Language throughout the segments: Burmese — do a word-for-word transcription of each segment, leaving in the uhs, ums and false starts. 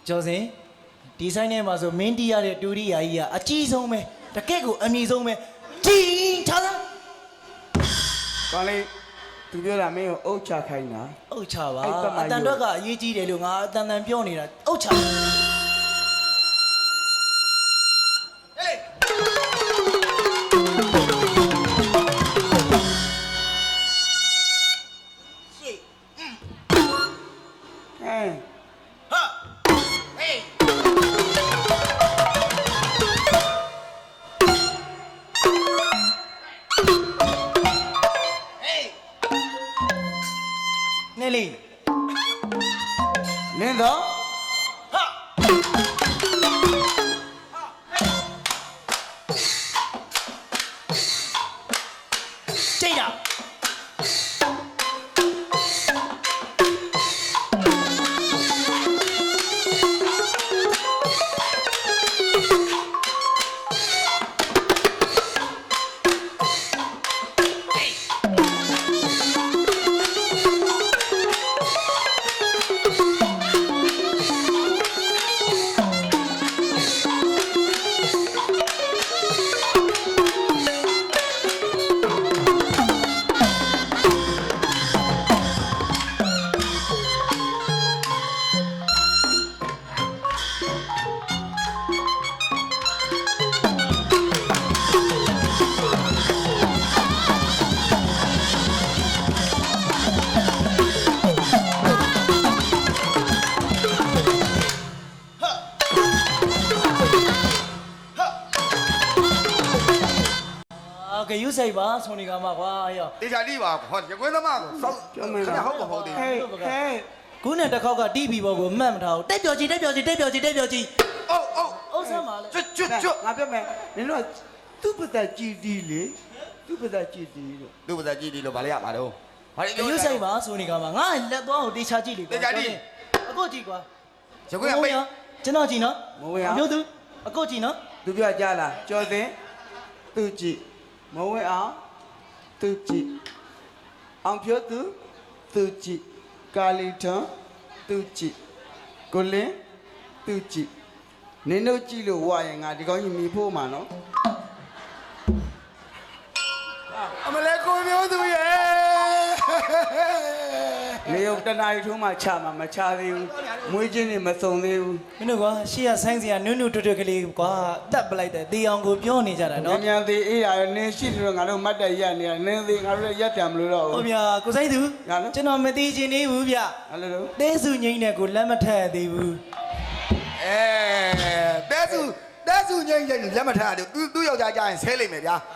ကျော်စင်ဒီဆိုင်ထဲမှာဆိုမင်းတီးရတဲ့တူရီယာကြီးကအကြီးဆုံးပဲတကယ့်ကိုအမြင့်ဆုံးပဲကြီးချာသာကောင်းလေးသူပြောတာမင်းကိုအုတ်ချခိုင်းတာအုတ်ချပါအတန်တော့ကအရေးကြီးတယ်လို့ငါအတန်တန်ပြောနေတာအုတ်ချလင်းတော့ဟာကြိတ်တာကယူဆိုင်ပါဆိုနေကမှာကွာရောတေချာတိပါဟောရကွင်းသမားကိုစောက်ခဏဟုတ်မဟုတ်သေးဘူးဟဲ့ဟဲ့ခုနဲ့တစ်ခေါက်ကတီးပြီးဘောကိုမှတ်မထားဘူးတက်ပြော်ကြီးတက်ပြော်ကြီးတက်ပြော်ကြီးတက်ပြော်ကြီးအိုးအိုးအုပ်ဆမ်းပါလေကျွတ်ကျွတ်ကျွတ်ငါပြောမယ်နင်တို့သူ့ပသက်ကြည်တီလေသူ့ပသက်ကြည်တီလို့သူ့ပါဇက်ကြည့်ဒီလို့ဗာလေရပါတော့ဘာလဲယူဆိုင်ပါဆိုနေကမှာငါလက်သွားကိုတေချာကြည့်လေတေချာကြည့်အခုကြည့်ကွာရကွင်းကပိတ်ကျွန်တော်ကြည့်နော်မဝင်အောင်မျိုးသူအခုကြည့်နော်သူပြောကြလားကြော်စင်သူကြည့်မဝင်အောင်သူကြည့်အောင်ပြောသူသူကြည့်ကာလီထွန်းသူကြည့်ကိုလင်းသူကြည့်နင်တို့ကြည့်လို့ဝါရင်ငါဒီကောင်းကြီးမြည်ဖို့မှာနော်အမလေးကိုမျိုးသူရဲ့လေယုံတနာရီထုံးမှချမှာမချသေးဘူးမွေးချင်းနေမစုံသေးဘူးမင်းတို့ကွာရှေ့ကဆိုင်းစရာနုနုတွတ်တွတ်ကလေးကွာတက်ပလိုက်တယ်တေအောင်ကိုပြောနေကြတာနော်မြန်မြန်သေးအေးရနင်းရှိလို့ငါတို့မတ်တက်ရက်နေတာနင်းသေးငါတို့လည်းရက်ပြန်မလို့တော့ဘူးဟုတ်ဗျာကိုဆိုင်သူကျွန်တော်မသိချင်သေးဘူးဗျအဲ့လိုတော့တဲစုငိမ့်တဲ့ကိုလက်မထက်သေးဘူးအဲတဲစုတဲစုငိမ့်ငိမ့်လက်မထားတယ်သူသူ့ယောက်ျားကြရင်ဆဲလိမ့်မယ်ဗျာ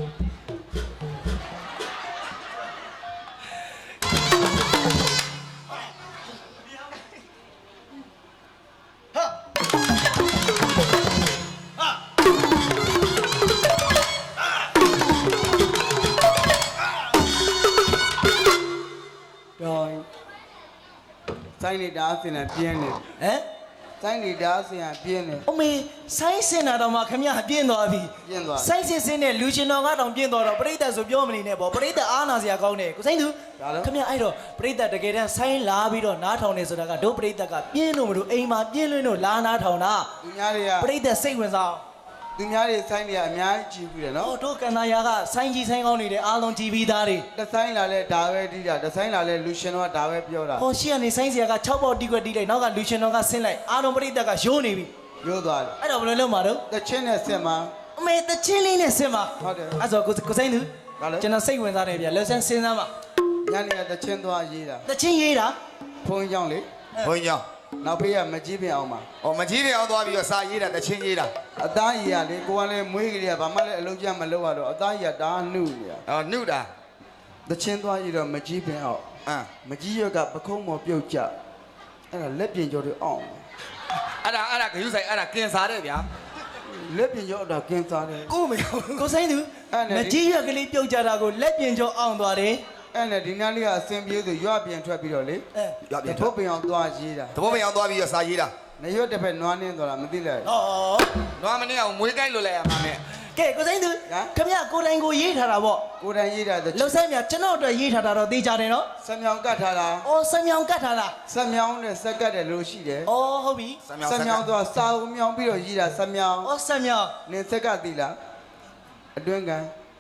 ဆိုင်နေတာအစင်နဲ့ပြင်းနေဟမ်ဆိုင်နေတာအစင်ကပြင်းနေအမေဆိုင်းစင်တာတော့မှခမရပြင်းသွားပြီပြင်းသွားဆိုင်းစင်စင်နဲ့လူရှင်တော်ကတော့ပြင်းသွားတော့ပရိသတ်ဆိုပြောမနေနဲ့ပေါ့ပရိသတ်အားနာစရာကောင်းတယ်ကိုစိမ့်သူခမရအဲ့တော့ပရိသတ်တကယ်တမ်းဆိုင်းလာပြီးတော့နားထောင်နေဆိုတာကတို့ပရိသတ်ကပြင်းလို့မလို့အိမ်မှာပြင်းလွန်းလို့လာနားထောင်တာသူများတွေကပရိသတ်စိတ်ဝင်စားသူများတွေဆိုင်းတွေကအများကြီးကြည့်ပြီးတယ်နော်ဟိုတို့ကန်နာယာကဆိုင်းကြီးဆိုင်းကောင်းနေတဲ့အားလုံးကြည့်ပြီးသားတွေတဆိုင်လာလဲဒါပဲတီးတာတဆိုင်လာလဲလူရှင်တော်ကဒါပဲပြောတာဟောရှေ့ကနေဆိုင်းစရာက၆ပေါက်တီးခွက်တီးလိုက်နောက်ကလူရှင်တော်ကဆင်းလိုက်အားလုံးပရိသတ်ကရိုးနေပြီရိုးသွားတယ်အဲ့တော့ဘယ်လိုလုပ်မှာတော့တချင်းနဲ့ဆင်မှာအမေတချင်းလေးနဲ့ဆင်မှာဟုတ်တယ်အဲ့ဆိုကိုကိုစိမ့်သူကျွန်တော်စိတ်ဝင်စားတယ်ဗျလက်ဆန်းစဉ်းစားမှာညနေကတချင်းသွားရေးတာတချင်းရေးတာဖုန်းကြောင်းလေဘုန်းကြီးနောက်ဖေးကမကြီးပင်အောင်ပါ။အော်မကြီးပင်အောင်သွားပြီးတော့စာရေးတာတချင်းရေးတာအသားကြီးကလေကိုကလည်းမွေးကလေးကဘာမှလည်းအလုံးကျမလုပ်ရတော့အသားကြီးကဒါနှုတ်နေတာ။အော်နှုတ်တာတချင်းသွားရေးတော့မကြီးပင်အောင်အမ်မကြီးရွက်ကပခုံးမော်ပြုတ်ကြအဲ့ဒါလက်ပြင်ကျော်တွေအောင်အဲ့ဒါအဲ့ဒါဂယုဆိုင်အဲ့ဒါကင်စားတယ်ဗျာလက်ပြင်ကျော်တော့ကင်စားတယ်ကိုမကိုဆိုင်သူမကြီးရွက်ကလေးပြုတ်ကြတာကိုလက်ပြင်ကျော်အောင်သွားတယ်အဲ့နဲ့ဒီနားလေးကအစင်ပြေးဆိုရွပြင်ထွက်ပြီးတော့လေရွပြင်ထွက်ပင်အောင်သွားရေးတာသဘောပင်အောင်သွားပြီးတော့စာရေးတာနေရွက်တစ်ဖက်နွားနှင်းသွားတာမသိလိုက်ဩနွားမနှင်းအောင်မွေးကိုက်လို့လဲရမှာနဲ့ကဲကိုစိမ့်သူခင်ဗျကိုတိုင်ကိုရေးထားတာပေါ့ကိုယ်တိုင်ရေးတာတလှုပ်ဆက်မြကျွန်တော်အတွက်ရေးထားတာတော့သိကြတယ်နော်စံမြောင်ကတ်ထားတာအော်စံမြောင်ကတ်ထားတာစံမြောင်နဲ့စက်ကတ်တယ်လို့ရှိတယ်အော်ဟုတ်ပြီစံမြောင်ဆိုတာစာအုပ်မြောင်ပြီးတော့ရေးတာစံမြောင်အော်စံမြောင်နင်စက်ကတ်သီလားအတွင်းကန်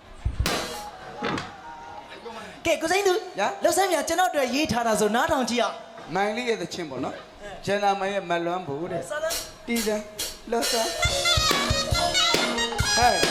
ကဲကိုစိမ့်သူလှုပ်ဆက်မြကျွန်တော်အတွက်ရေးထားတာဆိုနားထောင်ကြည့်အောင်မိုင်လေးရဲ့သချင်းပေါ့နော်ဂျန်နာမိုင်ရဲ့မလွမ်းဘူးတဲ့စာလန်တီးစံလောဆာဟဲ့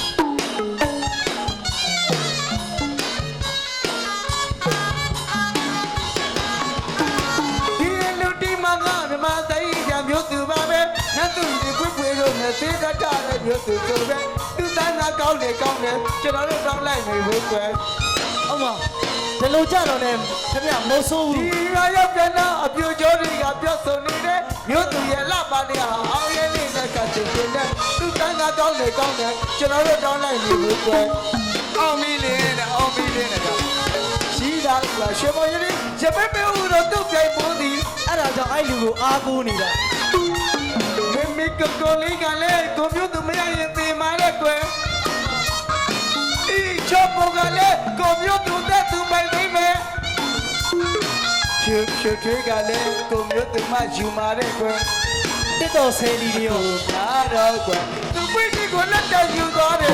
ဒီလူတီမငါမြမသိကြမျိုးသူပါပဲနတ်သူဒီခွေခွေတို့နဲ့သေးတတ်တဲ့မျိုးသူဆိုပဲသူတန်းကကောင်းလေကောင်းလေကျွန်တော်တို့တောင်းလိုက်နေဘူးကွယ်အောင်မဒီလိုကြတော့လည်းခင်ဗျမဆိုးဘူးဒီရရောက်ပြန်တော့အပြူကျော်တွေကပြောဆိုနေတဲ့မြို့သူရဲ့လှပါတဲ့ဟာအောင်ရဲ့လေးနဲ့ကချင်တဲ့သူတန်းကကောင်းလေကောင်းလေကျွန်တော်တို့တောင်းလိုက်နေဘူးကွယ်အောင်မီလေးနဲ့အောင်မီလေးနဲ့ကရှိတာကရှေမော်ရီရပေပေဦးတော့သူ့ပြိုင်ပေါ်သည်အဲ့ဒါကြောင့်အဲ့လူကိုအားကိုးနေတာမေမေကကိုလေးကလည်းကွန်ပျူတာမရရင်သိမာတဲ့ကွယ်ဒီချောပေါ်ကလည်းကွန်ပျူတာတဲ့သူပိုင်နေမယ်ဖြူဖြူထွေးကလည်းကွန်ပျူတာမှယူမာတဲ့ကွယ်တစ်တော်ဆယ်လီတွေကိုနားတော့ကွယ်သူပိတ်ကိုလက်တက်ယူသွားတယ်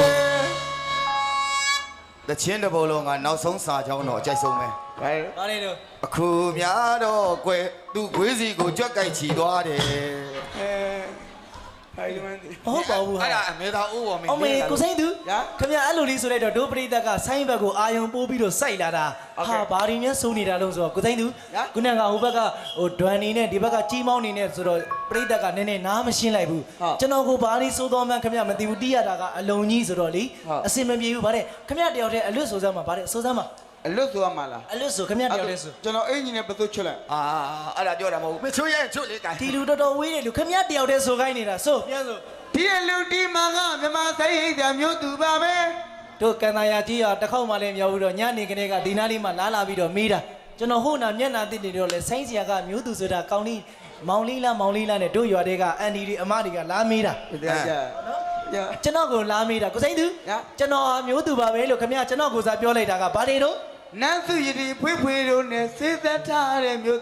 တချင်းတစ်ပုံလုံးကနောက်ဆုံးစာကြောင်းတော့အကြိုက်ဆုံးပဲဘာဘာလဲတော့အခုများတော့ကွယ်သူ့ခွေးစီကိုကြွက်ကြိုက်ချီသွားတယ်အဲဖိုင်လမန်ဒီမဟုတ်ပါဘူးဟာအဲ့ဒါအမေသာဦးပေါ်မင်းအောင်မေကိုစိမ့်သူခင်ဗျအဲ့လိုလေးဆိုလိုက်တော့ဒိုပရိသတ်ကဆိုင်းဘက်ကိုအာယုံပိုးပြီးတော့စိုက်လာတာဟာဘာရင်းများစိုးနေတာလို့ဆိုတော့ကိုစိမ့်သူခုနကဟိုဘက်ကဟိုဒွမ်နေနဲ့ဒီဘက်ကကြီးမောင်းနေနဲ့ဆိုတော့ပရိသတ်ကနည်းနည်းနားမရှင်းလိုက်ဘူးကျွန်တော်ကိုဘာလေးစိုးတော်မှန်းခင်ဗျမသိဘူးတီးရတာကအလုံးကြီးဆိုတော့လေအစင်မပြေဘူးဗါတဲ့ခင်ဗျတယောက်တည်းအလွတ်ဆိုစမ်းမှာဗါတဲ့ဆိုစမ်းမှာအလွတ်ဆိုရမှာလားအလွတ်ဆိုခင်ဗျတယောက်တည်းဆိုကျွန်တော်အင်ဂျင်နဲ့ဘသူချွတ်လိုက်အာအဲ့ဒါပြောတာမဟုတ်ဘူးမချွတ်ရဲ့ချွတ်လေကန်ဒီလူတော်တော်ဝေးတယ်လူခင်ဗျတယောက်တည်းဆိုခိုင်းနေတာဆိုပြန်ဆိုဒီလူတီမကမြမသိကြမျိုးသူပါပဲတို့ကန်တာယာကြီးရတစ်ခေါက်မှလည်းမရောက်ဘူးတော့ညနေခင်းကဒီနားလေးမှလာလာပြီးတော့မေးတာကျွန်တော်ဟိုနာမျက်နာတစ်နေတော့လဲဆိုင်းစရာကမျိုးသူဆိုတာကောင်းလေးမောင်လေးလားမောင်လေးလားနဲ့တို့ရွာတွေက အန်ဒီတွေအမတွေကလာမေးတာတရားကြကျွန်တော်ကိုလာမေးတာကိုစိမ့်သူကျွန်တော်မျိုးသူပါပဲလို့ခင်ဗျကျွန်တော်ကိုစားပြောလိုက်တာကဘာတွေတော့နန်းစုရည်ဖွေးဖွေးတို့နဲ့စေးသက်ထားတဲ့မျိုး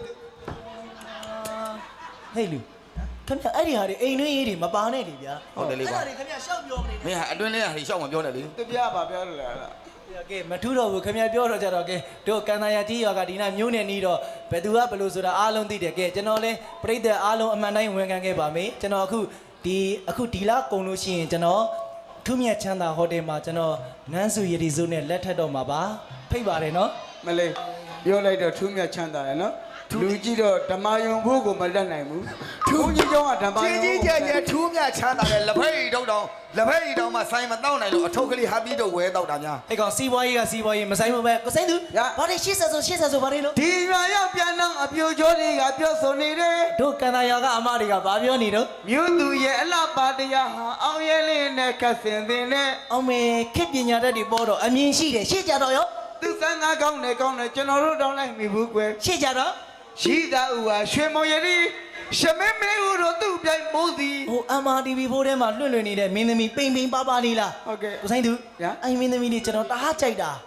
ဟဲ့လူခင်ဗျအဲ့ဒီဟာတွေအိမ်တွင်းရေးတွေမပါနဲ့လေဗျာဟုတ်တယ်လေကွာအဲ့ဒါတွေခင်ဗျရှောက်ပြောမနေမင်းဟာအတွင်းလေးဟာရှောက်မပြောနဲ့လေတပြားပါပြောလို့လားနဲ့ကဲမထူးတော့ဘူးခင်ဗျပြောတော့ကြတော့ကဲတို့ကန်တာယာကြီးရွာကဒီနာမျိုးနဲ့နီးတော့ဘယ်သူကဘယ်လိုဆိုတာအားလုံးသိတယ်ကဲကျွန်တော်လဲပြိတ္တအားလုံးအမှန်တိုင်းဝန်ခံခဲ့ပါမယ်ကျွန်တော်အခုဒီအခုဒီလားကုံလို့ရှိရင်ကျွန်တော်ထူးမြတ်ချမ်းသာဟိုတယ်မှာကျွန်တော်နန်းစုရည်စုနဲ့လက်ထပ်တော့မှာပါဖိတ်ပါတယ်နော်မလေးပြောလိုက်တော့ထူးမြတ်ချမ်းသာတယ်နော်လူကြည့်တော့ဓမ္မယုံဖို့ကိုမလက်နိုင်ဘူးထူးကြီးကျောင်းကဓမ္မယုံကြီးကြီးကျယ်ကျယ်ထူးမြတ်ချမ်းသာတဲ့လက်ဖက်ရည်တုံးတောင်လက်ဖက်ရည်တောင်မှဆိုင်မတောက်နိုင်လို့အထုပ်ကလေးဟာပြီးတော့ဝဲတောက်တာများအဲ့ကောင်စီးပွားရေးကစီးပွားရေးမဆိုင်ဘူးပဲကိုစိမ့်သူဘာတွေရှေ့ဆက်ဆိုရှေ့ဆက်ဆိုဘာတွေလို့ဒီရွာရောက်ပြန်တော့အပြိုကျော်တွေကပြောဆိုနေတယ်တို့ကန်တာယာကအမတွေကဘာပြောနေတော့မြို့သူရဲ့အလှပါတရားဟာအောင်ရဲလေးနဲ့ကတ်စင်တင်နဲ့အောင်မေခေပညာတတ်တွေပေါ်တော့အမြင်ရှိတယ်ရှေ့ကြတော့ရောသူစမ်းကားကောင်းတယ်ကောင်းတယ်ကျွန်တော်တို့တောင်းလိုက်မိဘူးကွယ်ရှေ့ကြတော့ရှိသာဦးဟာရွှေမောင်ရည်ရှမဲမဲဦးတို့သူ့ပြိုင်မိုးစီဟို အမ် အာร์ တီ ဗီ ဖိုးထဲမှာလွှင့်လွှင့်နေတဲ့မင်းသမီးပိန်ပိန်ပါပါလေးလားဟုတ်ကဲ့ကိုဆိုင်သူညာအဲ့မင်းသမီးလေးကျွန်တော်တအားကြိုက်တာ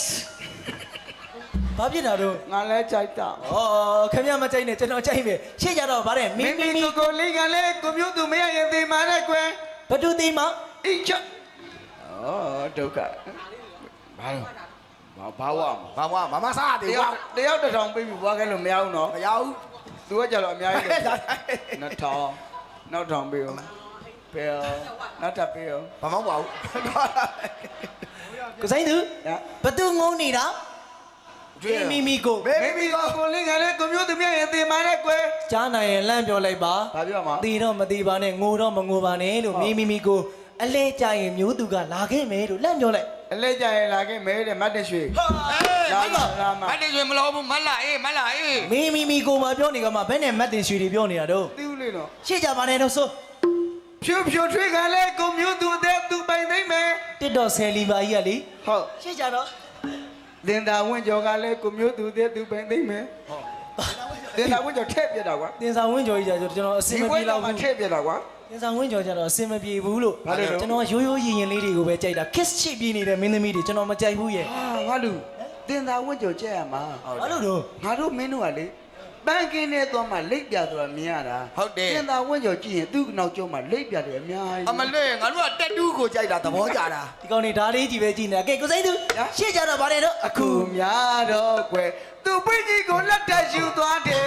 ဘာဖြစ်တာတော့ငါလဲကြိုက်တာဩခင်ဗျမကြိုက်နဲ့ကျွန်တော်ကြိုက်ပဲရှေ့ကြတော့ဗါတဲ့မမင်းင်းမမင်းင်းမီကိုကိုလေးကလည်းကိုမျိုးသူမရရင်သိမာတဲ့ကွယ်ဘတူသိမအိချဩဒုက္ခဘာလို့ဘာဘာဝဘာမှမမစားတယ်တကွာယောက်တယောက်တစ်ထောင်ပေးပြီးဘွားခဲ့လို့မရဘူးနော်မရဘူးသူကကြတော့အများကြီးတယ်နှစ်ထောင်နောက်ထောင်ပေးအောင်ပေးအောင်နောက်ထပ်ပေးအောင်ဘာမှမဟုတ်ဘူးကိုဆိုင်သူညာဘတူငုံနေတာမီမီကိုမင်းမီကိုကိုလေးကလည်းကိုမျိုးသူမရရင်သိမာတဲ့ကွယ်ကြားနိုင်ရင်လန့်ပြောလိုက်ပါဘာပြောမှာတီတော့မတီပါနဲ့ငိုတော့မငိုပါနဲ့လို့မီမီမီကိုအလဲကြရင်မျိုးသူကလာခဲ့မယ်လို့လန့်ပြောလိုက်အလဲကြရင်လာခဲ့မဲတဲ့မတ်တရွှေအေးမလာမတ်တယ်မလို့ဘူးမလာအေးမလာအေးမီမီမီကိုမပြောနေကမှဘယ်နဲ့မတ်တင်ရွှေတွေပြောနေတာတော့သိဦးလေနော်ရှေ့ကြပါနဲ့တော့ဆိုဖြူဖြူထွေးကလည်းကိုမျိုးသူတဲ့သူပိုင်သိမ့်မယ်တစ်တော့ဆယ်လီပါကြီးကလေဟုတ်ရှေ့ကြတော့လင်သာဝင်းကျော်ကလည်းကိုမျိုးသူတဲ့သူပိုင်သိမ့်မယ်တင်သာဝင်းကျော်ထည့်ပြတာကွာတင်ဆောင်ဝင်းကျော်ကြီးကျကျွန်တော်အစဒီင်မဘွဲပြေတော့တော့မှဘူးထည့်ပြတာကွာတင်ဆောင်ဝင်းကျော်ကျတော့အစင်မပြေဘူးလို့ဘာလို့လဲကျွန်တော်ရိုးရိုးရင်ရင်လေးတွေကိုပဲကြိုက်တာ kiss ချစ်ပြီးနေတဲ့မင်းသမီးတွေကျွန်တော်မကြိုက်ဘူးရဲ့ဟာငါလူတင်သာဝင်းကျော်ကြက်ရမှာဘာလို့တော့ငါတို့မင်းတို့ကလေပန်းကင်းနဲ့သွားမှလိပ်ပြဆိုတာမြင်ရတာဟုတ်တယ်တင်သာဝင်းကျော်ကြည့်ရင်သူ့နောက်ကျောမှာလိပ်ပြတယ်အများကြီးအမလေးငါတို့ကတက်တူးကိုကြိုက်တာသဘောကျတာဒီကောင်နေဓာလေးကြီးပဲကြည့်နေတာကဲကိုစိမ့်သူရှေ့ကြတော့ဗါတယ်တော့အခုများတော့ကွယ်သူ့ပြင်းကြီးကိုလက်တက်ယူသွားတယ်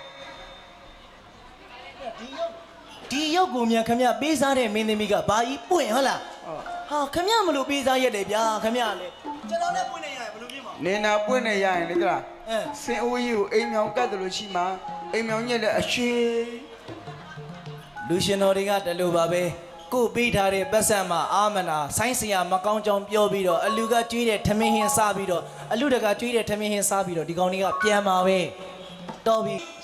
ဒီရုပ်ကိုမြန်ခမရပေးစားတဲ့မင်းသမီးကဘာကြီးပွင့်ဟုတ်လားဟာခမရမလို့ပေးစားရတယ်ဗျာခမရလေကျွန်တော်လည်းပွင့်နေရတယ်ဘယ်လိုဖြစ်မှာနေနာပွင့်နေရရင်လေကလားအဲစင်အိုးကြီးကိုအိမ်မြောင်ကတ်တယ်လို့ရှိမှအိမ်မြောင်ညက်လည်းအရှိလူရှင်တော်တွေကတလူပါပဲကိုပေးထားတဲ့ပတ်စံမှာအာမနာဆိုင်းစရာမကောင်းကြောင်ပြောပြီးတော့အလူကကျွေးတဲ့ထမင်းဟင်းစားပြီးတော့အလူတကကျွေးတဲ့ထမင်းဟင်းစားပြီးတော့ဒီကောင်တွေကပြန်มาပဲတော်ပြီ